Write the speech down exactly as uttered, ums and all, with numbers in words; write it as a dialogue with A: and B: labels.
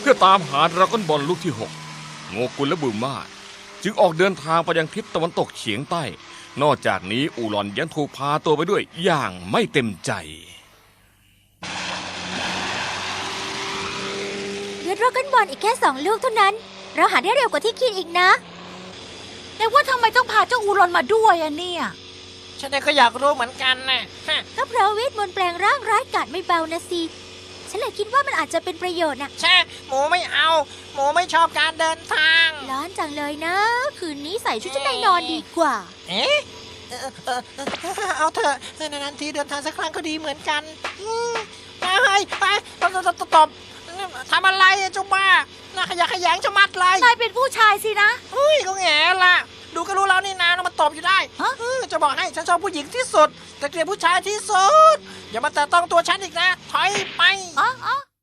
A: พื่อตามหาดราก้อนบอลลูกที่หกโงกุลและบูมาจึงออกเดินทางไปยังทิศตะวันตกเฉียงใต้นอกจากนี้อูหลอนยังถูกพาตัวไปด้วยอย่างไม่เต็มใจ
B: เหลือดราก้อนบอลอีกแค่สองลูกเท่านั้นเราหาได้เร็วกว่าที่คิดอีกนะแต่ว่าทำไมต้องพาเจ้าอูรอนมาด้วยอะเนี่ย
C: ฉันเองก็อยากรู้เหมือนกันนะ
B: ก็เพราะเวทมนต์แปลงร่างร้ายกาจไม่เบานะสิฉันเลยคิดว่ามันอาจจะเป็นประโยชน์นะ
C: แช่หมูไม่เอาหมูไม่ชอบการเดินทาง
B: ร้อนจังเลยนะคืนนี้ใส่ชุดชั้นในนอนดีกว่า
C: เอ๊ะเออเออเอาเถอะนานๆทีเดินทางสักครั้งก็ดีเหมือนกันไปไปตบตบตบทำอะไรเจ้าบ้าน่าขยะขยงจะมัดเลย
B: นายเป็นผู้ชายสินะ
C: เฮ้ยก็แง่ละดูก็รู้แล้วนี่นามาตบอยู่ได้จะบอกให้ฉันชอบผู้หญิงที่สุดแต่เกลียดผู้ชายที่สุดอย่ามาแตะต้องตัวฉันอีกนะถอยไป
B: อ๋อ